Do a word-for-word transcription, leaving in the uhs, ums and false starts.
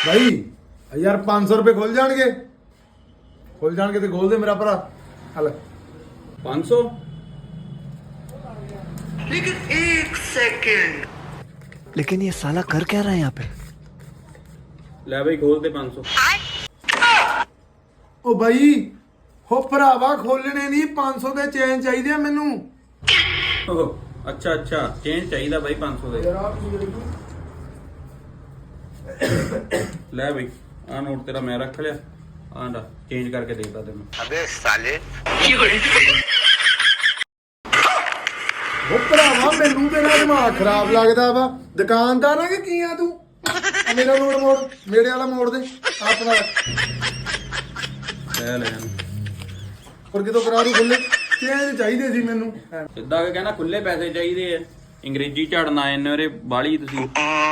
भाई यार पाँच सौ रुपये खोल जाएंगे खोल जाएंगे तो खोल दे मेरा भरा हल पाँच सौ लेकिन एक सेकंड लेकिन ये साला कर क्या रहा है यहाँ पे? ले भाई खोल दे पाँच सौ। ओ भाई हो भरावा खोलने नहीं पाँच सौ के चैन चाहिए मैनू ओह, अच्छा अच्छा चेंज चाहिए भाई पाँच सौ दे ले भाई आ नोट तेरा मैं रख लिया आंडा चेंज करके देता तेन। अबे साले ਉਹ ਭਰਾਵਾ ਮੈਨੂੰ ਤੇਰਾ ਦਿਮਾਗ ਖਰਾਬ ਲੱਗਦਾ ਵਾ ਦੁਕਾਨਦਾਰ ਆ ਕਿ ਕੀ ਆ ਤੂੰ ਆ ਮੇਰਾ ਨੋਟ ਮੋੜ ਮੇਰੇ ਵਾਲਾ ਮੋੜ ਦੇ ਆਪਣਾ ਲੈ ਲੈ ਪਰ ਕਿਤੋਂ ਕਰਾ ਦੂ ਖੁੱਲੇ ਚੇਂਜ ਚਾਹੀਦੇ ਸੀ ਮੈਨੂੰ ਸਿੱਧਾ ਕੇ ਕਹਿੰਦਾ ਖੁੱਲੇ ਪੈਸੇ ਚਾਹੀਦੇ ਆ ਅੰਗਰੇਜ਼ੀ ਝੜਨਾ ਇਹਨੇ ਰੇ ਬਾਲੀ ਤੁਸੀਂ